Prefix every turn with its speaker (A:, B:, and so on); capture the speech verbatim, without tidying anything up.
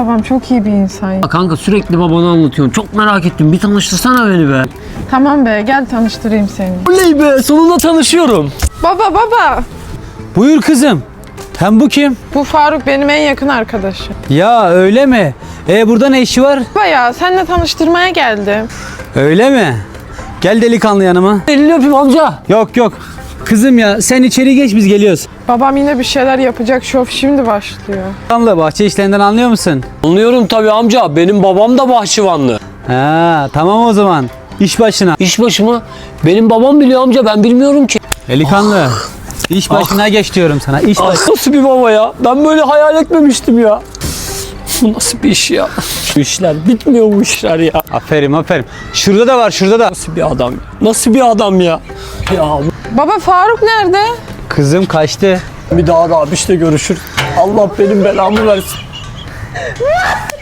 A: babam çok iyi bir insan.
B: Kanka sürekli babana anlatıyorsun. Çok merak ettim. Bir tanıştırsana beni be.
A: Tamam be, gel tanıştırayım seni.
B: Oley be, sonunda tanışıyorum.
A: Baba baba.
C: Buyur kızım. Hem bu kim?
A: Bu Faruk benim en yakın arkadaşım.
C: Ya öyle mi? E burada ne işi var?
A: Baba ya, seninle tanıştırmaya geldim.
C: Öyle mi? Gel delikanlı yanıma.
B: Elini öpeyim amca.
C: Yok yok. Kızım ya sen içeri geç, biz geliyoruz.
A: Babam yine bir şeyler yapacak, şov şimdi başlıyor.
C: Delikanlı, bahçe işlerinden anlıyor musun?
B: Anlıyorum tabii amca. Benim babam da bahçıvanlı.
C: Ha tamam o zaman. İş başına.
B: İş başı mı? Benim babam biliyor amca, ben bilmiyorum ki.
C: Delikanlı. İş başına geç diyorum sana. İş
B: Ah,
C: baş...
B: nasıl bir baba ya? Ben böyle hayal etmemiştim ya. Bu nasıl bir iş ya? Bu işler bitmiyor, bu işler ya.
C: Aferin aferin. Şurada da var, şurada da.
B: Nasıl bir adam? Nasıl bir adam ya? Ya
A: Baba Faruk nerede?
C: Kızım kaçtı.
B: bir daha da abişle görüşür. Allah benim belamı versin.